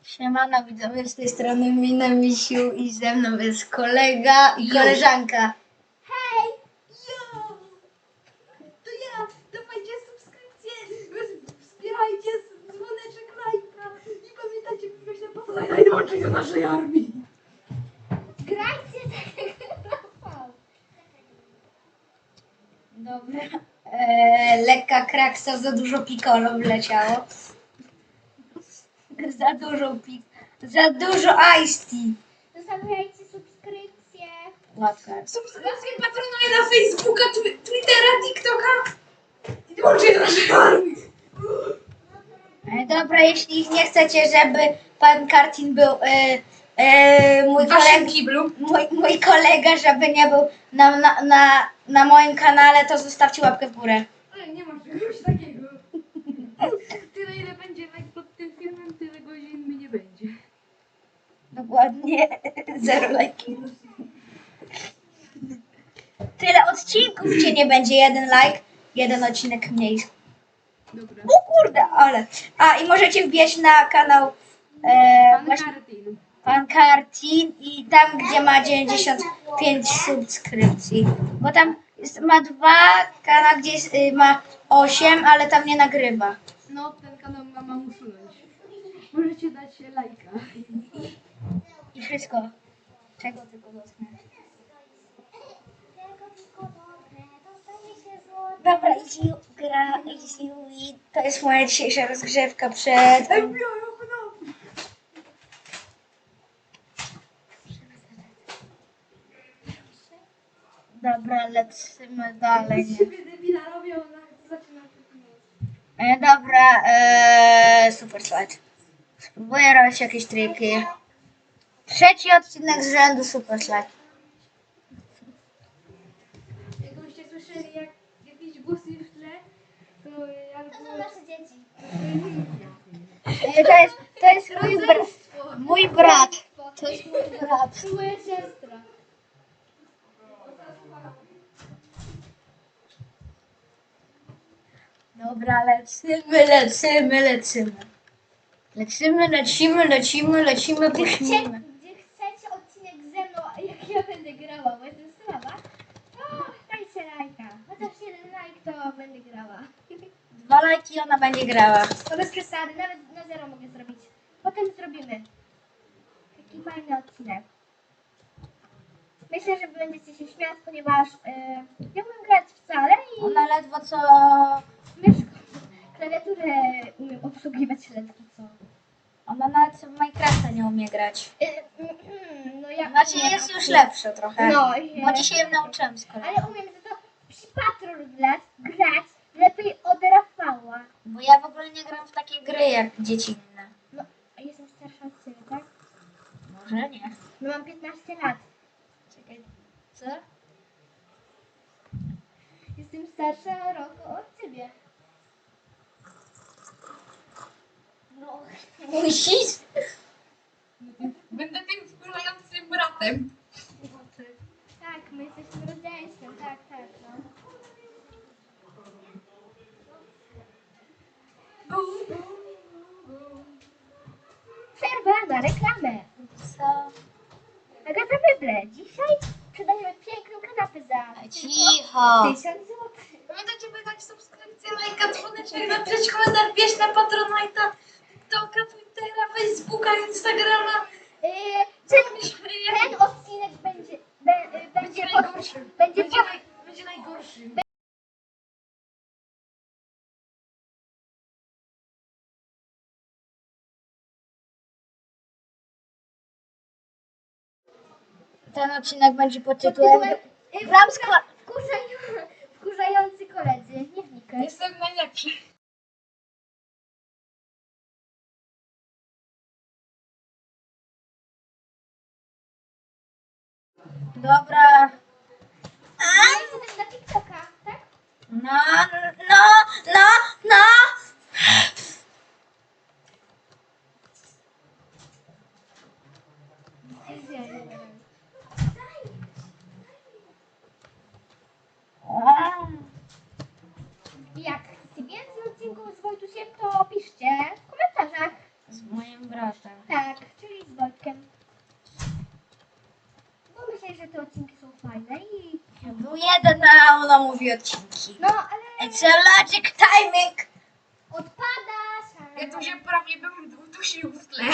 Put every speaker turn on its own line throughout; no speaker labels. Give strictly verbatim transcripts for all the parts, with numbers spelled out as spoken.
Siemano widzowie, z tej strony Mina Misiu i ze mną jest kolega i koleżanka.
Hej! Jo! To ja! Dawajcie subskrypcję! Wspierajcie dzwoneczek, lajka i pamiętajcie wbić na Patreona i dołączyć do naszej armii! Grajcie tak!
Dobra. Eee, lekka kraksa, za dużo piccolo wleciało. Za dużo pik... Za dużo iced tea.
Zostawiajcie subskrypcję!
Łapka.
Subskrypcję patronuję na Facebooka, tw- Twittera, TikToka i dołączyć do naszej armii!
E, dobra, jeśli nie chcecie, żeby pan Kartin był... E, e, mój,
W waszym
kolega,
kiblu.
mój, mój kolega, żeby nie był na, na, na, na moim kanale, to zostawcie łapkę w górę.
Ale nie ma czegoś takiego. Tyle ile będzie like pod tym filmem, tyle godzin mi nie będzie.
Dokładnie zero lajki. Tyle odcinków cię nie będzie, jeden like, jeden odcinek mniej.
Dobra.
O kurde, ale. A i możecie wbijać na kanał e,
Pan
właśnie
Kartin.
Pan Kartin i tam, gdzie ma dziewięćdziesiąt pięć subskrypcji. Bo tam jest, ma dwa, kanał, gdzie jest, y, ma osiem, ale tam nie nagrywa.
No, ten kanał mama usunąć. Możecie dać lajka.
I wszystko. Czego tylko dotknę. Dobra, easy gra, easy win. To jest moja dzisiejsza rozgrzewka przed... Dobra, lecimy dalej.
Z siebie debila robią, ona zaczyna
E, dobra, e, super slajd. Spróbuję robić jakieś triki. Trzeci odcinek z rzędu super slajd.
Jakbyście słyszeli jak, jakieś głosy w tle, to albo...
To są nasze dzieci.
E, to jest, to jest mój, br mój brat. To jest mój brat.
To moja siostra.
Dobra, lecimy, lecimy, lecimy. Lecimy, lecimy, lecimy, lecimy,
Gdzie,
puśnimy.
gdzie chcecie odcinek ze mną, a jak ja będę grała, bo jestem słaba, to dajcie lajka. Chociaż jeden like, to będę grała.
Dwa lajki i ona będzie grała.
To bez przesady, nawet na zero mogę zrobić. Potem zrobimy. Taki fajny odcinek. Myślę, że będziecie się śmiać, ponieważ yy, nie umiem grać wcale i
Ona ledwo co...
myszką, klawiaturę umiem obsługiwać ledwo co.
Ona nawet w Minecrafta nie umie grać.
Yy, mm, mm, no ja
Znaczy
umiem,
jest już lepsza trochę.
No,
Bo dzisiaj ją nauczyłem z kolei.
ale umiem za to przy patrol grać, grać lepiej od Rafała.
Bo ja w ogóle nie gram w takie gry jak dzieci inne.
No, a jestem starsza od ciebie, tak?
Może nie.
No mam piętnaście lat.
Czekaj. Co?
Jestem starsza rok od ciebie. No,
Musisz?
Będę tym wkurzającym bratem.
tak, my jesteśmy rodzeństwem, tak, tak, no. Przerwa na reklamę.
Co?
Agata Meble, dzisiaj sprzedajemy piękną kanapę za
Cicho.
tysiąc złotych.
Pamiętajcie, by dać subskrypcję, lajka, dzwoneczek, napisać komentarz, wbierz na Patronite'a, TikToka, Twittera, Facebooka, Instagrama.
Yy, ten, ten odcinek będzie, be, y, będzie,
Będzie
po,
najgorszy.
będzie,
Będzie,
po,
naj, będzie najgorszy.
Ten odcinek będzie pod
pod
tytułem...
tytułem y,
Gram z
wkurza, wkurzają, wkurzający koledzy. Nie wnikaj.
Jestem najlepszy.
Dobra.
A jestem na TikToka, tak?
No, no, no, no.
Jak chcecie więcej odcinków z Wojtusiem, to piszcie w komentarzach.
Z moim bratem.
Tak. że te odcinki są fajne i...
Był jeden, a ona mówi odcinki.
No, ale...
It's a logic timing.
Odpadasz!
Ja tu się prawie bym udusił w tle.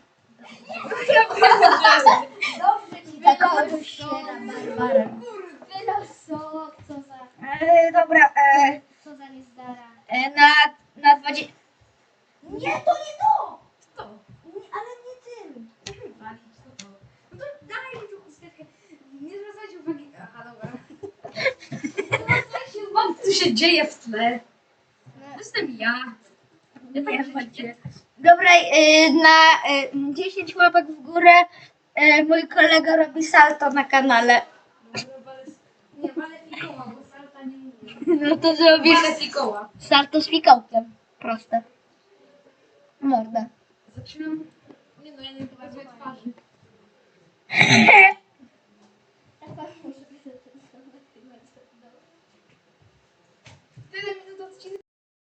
Dobrze ci
Taką
wylos,
dusiera Barbara.
Wylosok, co za...
E, dobra, e,
Co za niezdara.
e, na, na dwadzieścia... Nie, to nie to!
To.
Nie, ale nie tym.
Walić, co to? No to daj mi tu chusteczkę. Nie zwracajcie uwagi. Aha, dobra. Nie zwracajcie uwagi, co się dzieje w tle. To jestem ja. Ja tak
Nie,
się
macie. Dobra, e, na e, dziesięć łapek w górę e, mój kolega robi salto na kanale.
Nie, walę fikoła, bo salta nie mówię.
No to zrobisz
Walę fikoła.
salto z fikołkiem. Proste. Mordę.
Zaczynam... Nie no, ja nie pokazuję twarzy. Tyle minut odcinka.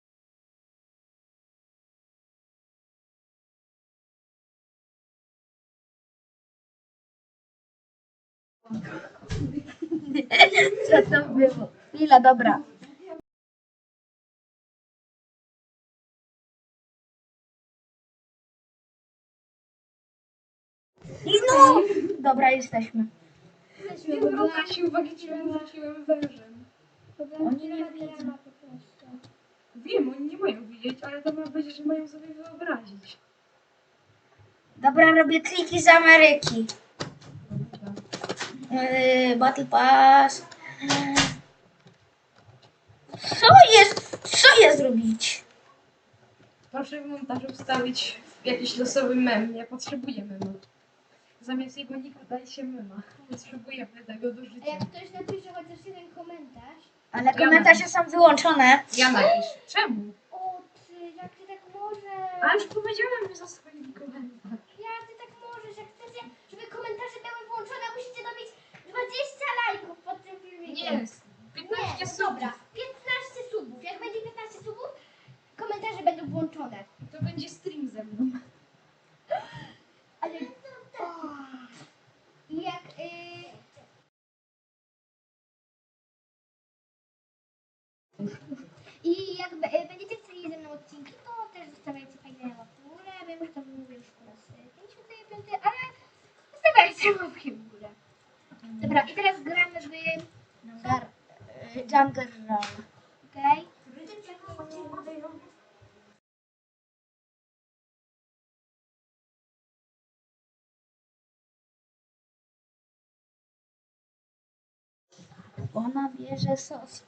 Co to było? Chwila, dobra. I no! Dobra, jesteśmy.
Nie zwracajcie uwagi, czy ja rzuciłem wężem.
Oni nie widzą.
Wiem, oni nie mają widzieć, ale to ma być, że mają sobie wyobrazić.
Dobra, robię triki z Ameryki. Yy, Battle Pass. Co jest? Co jest robić?
Proszę w montażu wstawić jakiś losowy mem. Ja potrzebuję mema. Zamiast jego nika dajcie mema. Potrzebujemy tego do
A
życia.
jak ktoś napisze chociaż jeden komentarz,
Ale komentarze są wyłączone.
Ja napiszę. Czemu?
o ty, jak ty tak możesz?
A już powiedziałem, że zasłonili komentarz.
Jak ty tak możesz? Jak chcecie, żeby komentarze były włączone, musicie dobić dwadzieścia lajków pod tym filmikiem.
Nie, piętnaście
Nie, no
subów.
dobra, piętnaście subów. Jak będzie piętnaście subów, komentarze będą włączone.
To będzie stream ze mną.
Ale... O. I jak... Y... I jak be- y, będziecie chcieli ze mną odcinki, to też zostawiajcie fajne łapki w górę. Wiem, że to mówię już po raz pięćdziesiąty piąty, ale zostawiajcie łapki w górę. Dobra, i teraz gramy w...
Jungle, yy, Jungle Run.
Okej?
Ona bierze sos.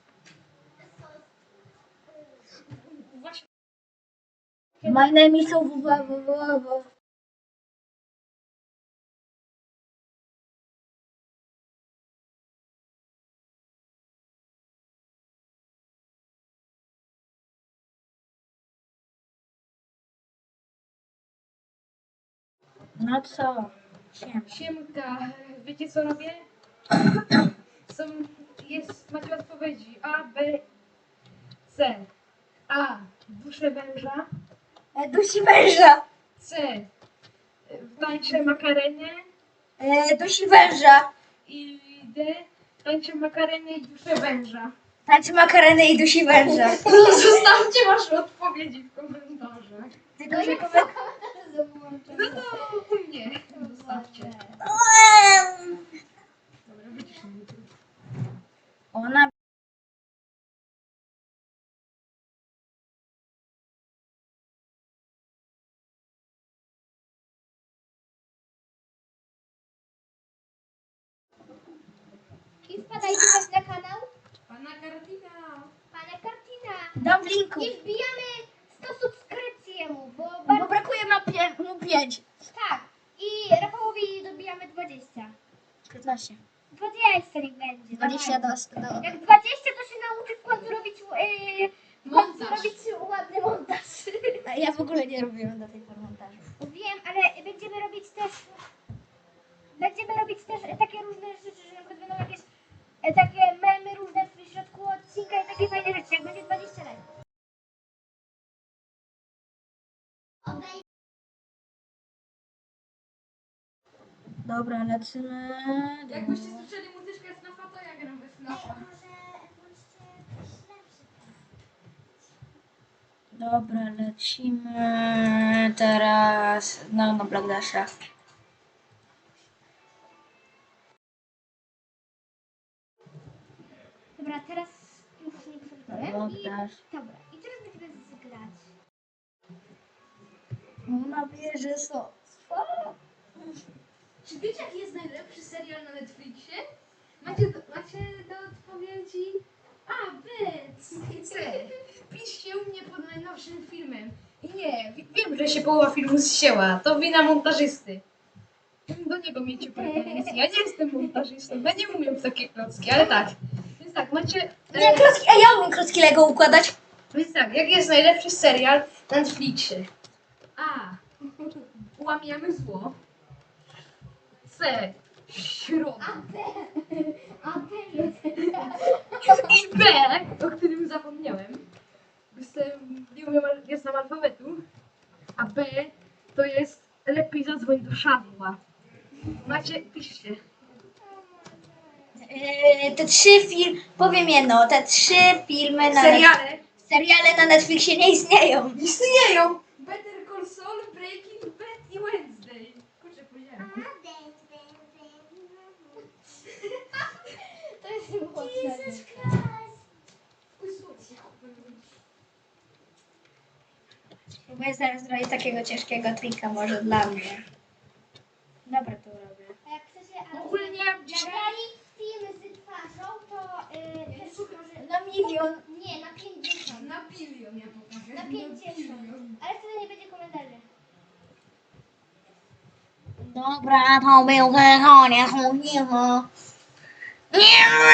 Właśnie.
My name is Owo. No co? Siem.
Siemka, wiecie co robię? Są, jest, macie odpowiedzi A, B, C. A. Duszę węża.
E, dusi węża.
C. Tańczę makarenie.
E, dusi węża.
I D. Tańczę makarenę i duszę węża.
Tańczy makareny i dusi węża.
Zostawcie wasze odpowiedzi w komentarzach.
Tylko,
No
że
jak
koment...
komentarze są włączone.
No to u mnie. Zostawcie. Dobra, wyciszę mnie tu.
Ona...
I wpadajcie też na kanał
Pana Kartina.
Pana Kartina.
Dam w linku.
I wbijamy sto subskrypcji mu, bo
Bo
bardzo...
brakuje ma pie- mu pięć.
Tak. I Rafałowi dobijamy dwadzieścia.
piętnaście.
dwadzieścia niech będzie.
dwadzieścia
dawaj.
do... do...
Jak dwadzieścia to się nauczy w końcu robić, yy, w końcu
Montaż.
robić ładny montaż.
A ja w ogóle nie robiłem do tej pory montażu.
Wiem, ale będziemy robić też będziemy robić też takie różne rzeczy, że na przykład będą jakieś e, takie memy różne w środku odcinka i takie fajne rzeczy, jak będzie dwadzieścia lajków.
Dobra, lecimy.
Jakbyście słyszeli muzyczkę Snafa, to ja gram we Snafa.
Dobra, lecimy teraz no, no Black Dasha.
Dobra, teraz już nie przygotowałem.
Black
I,
Dash.
dobra, i teraz będziemy zgrać.
Na wieży są.
Czy wiecie, jaki jest najlepszy serial na Netflixie? Macie do, macie do odpowiedzi A, B, C. Piszcie u mnie pod najnowszym filmem. I nie, wi- wiem, że się połowa filmu zsięła. To wina montażysty. Do niego miejcie pretensje. Ja nie jestem montażystą, ja nie umiem w takie klocki, ale tak. Więc tak, macie...
Nie, klocki, a ja umiem klocki Lego układać.
Więc tak, jaki jest najlepszy serial na Netflixie? A. Łamiemy zło. C. Środa.
A ten jest.
I B, o którym zapomniałem. Jestem, nie umiem, nie znam alfabetu. A B to jest lepiej zadzwoń do Szadła. Macie, piszcie.
Yy, te trzy filmy, powiem jedno, te trzy filmy na
Seriale
seriale na Netflixie nie istnieją.
istnieją. Better Call Saul, Breaking Bad i Wednesday. Kurczę, powiedziałem.
To jest niepotrzebne.
Próbuję zaraz zrobić takiego ciężkiego trika może dla mnie. Dobra, to robię.
A jak chcecie, ale
Ogólnie
nagrali film z twarzą, to yy, też może...
Na milion.
Nie, na pięćdziesiąt.
Na bilion ja pokażę.
Na pięćdziesiąt. Ale wtedy nie będzie komentarzy.
Dobra, to był ten koniec filmu. Nie